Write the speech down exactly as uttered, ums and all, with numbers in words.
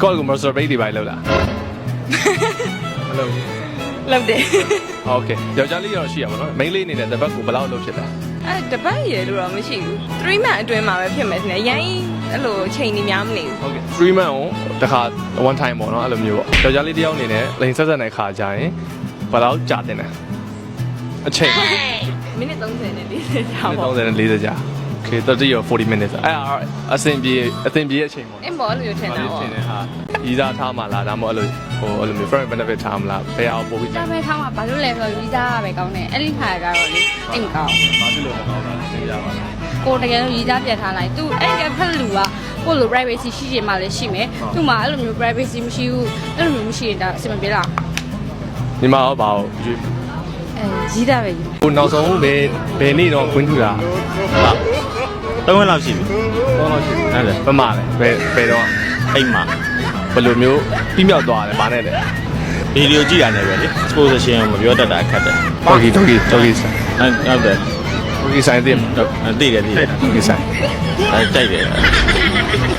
ကောက်ကို masturbate တွေပါလို့လားမလုပ်ဘူးလုပ်တယ်ဟုတ်ကဲ့ယောက်ျားလေးရောရှိရပါတော့ main လေးအနေနဲ့တပတ်ကိုဘယ်လောက်လုပ်ဖြစ်လဲအဲတပတ်ရလို့တော့မရှိဘူးthree month အတွင်းမှာပဲဖြစ်မယ်ထင်တယ်ရိုင်းအဲ့လိုချိန်နေများမနေဘူးဟုတ်ကဲ့ three month ကိုတစ်ခါ one time ပေါ့နော်အဲ့လိုမျိုးပေါ့ယောက်ျားလေးတစ်ယောက်အနေနဲ့လိန်ဆက်ဆက်တဲ့ခါကြရင်ဘယ်လောက်ကြာတင်လဲအချိန်မိနစ်thirtyနဲ့၄၀ကြာပေါ့ thirtyနဲ့fortyကြာ okay thirty or forty minutes အဲ့အဆင်ပြေအဆင်ပြေရဲ့အချိန်ပေါ့အင်းဘောလို့ထင်တာပေါ့ထင်တယ်ဟာရီးစားထားမှလားဒါမှမဟုတ်အဲ့လိုဟိုအဲ့လိုမျိုး friend benefit ထားမလားဘယ်အောင်ပို့ပြီးဒါပဲထားမှာဘာလို့လဲဆိုတော့ဗီဇာပဲကောင်းတယ်အဲ့ဒီခါကတော့လေအိမ်ကောင်းဘာဖြစ်လို့မကောင်းတာလဲသိကြပါလားကိုတကယ်လို့ဗီဇာပြတ်ထားလိုက်သူအဲ့ကဖက်လူကကိုလို privacy ရှိချင်မှလည်းရှိမယ်သူ့မှာအဲ့လိုမျိုး privacy မရှိဘူးအဲ့လိုမျိုးမရှိရင်ဒါအဆင်မပြေလားညီမရောဘာကိုရွေးအဲကြီးတာပဲကြီးဟိုနောက်ဆုံးဘယ်ဘယ်နေ့တော့ခွင့်ထူတာသုံးရက်လောက်ရှိပြီတော့တော့ရှိတယ်ဟုတ်တယ်ဘယ်မှာလဲဘယ်ဘယ်တော့အိမ်မှာဘယ်လိုမျိုးပြီးမြောက်သွားတယ်ဗာနဲ့လဲဗီဒီယိုကြည့်တာနဲ့ပဲလေ exposition ကိုမပြောတတ်တာခက်တယ်တော်ကြီးတော်ကြီးတော်ကြီးဆိုင်ဟုတ်တယ်တော်ကြီးဆိုင်သိမှာသိတယ်သိတယ်တော်ကြီးဆိုင်အဲကြိုက်တယ်